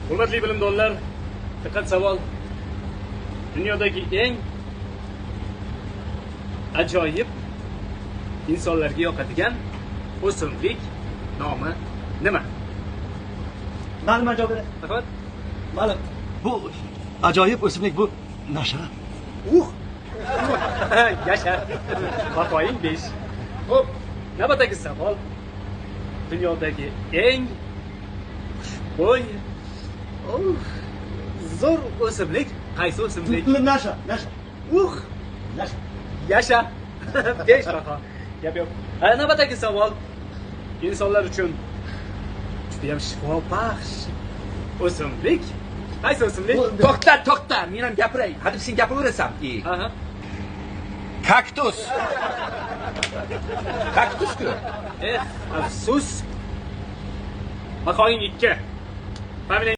Hurmatli bilimdonlar, diqqat savol. Dunyodagi eng ajoyib insonlarga yoqadigan o'simlik nomi nima? Ma'lum javob. Faqat Ma'lum. Bu ajoyib o'simlik bu nasha. Yasha. Bahoying 5. Xo'p, navbatdagi savol. Dunyodagi eng xushbo'y zo'r o'simlik qaysi o'simlik? Nasha. Nasha. Nasha. Yasha. 5 baho. Gap yo'q. Navbatdagi savol. İnsanlar uchun juda ham shifobaxsh o'simlik qaysi o'simlik? To'xta, men ham gapiray. Hadeb sen gapiraversan. Aha. Kaktus. Kaktus-ku. Afsus. Bahoying 2. Familiyang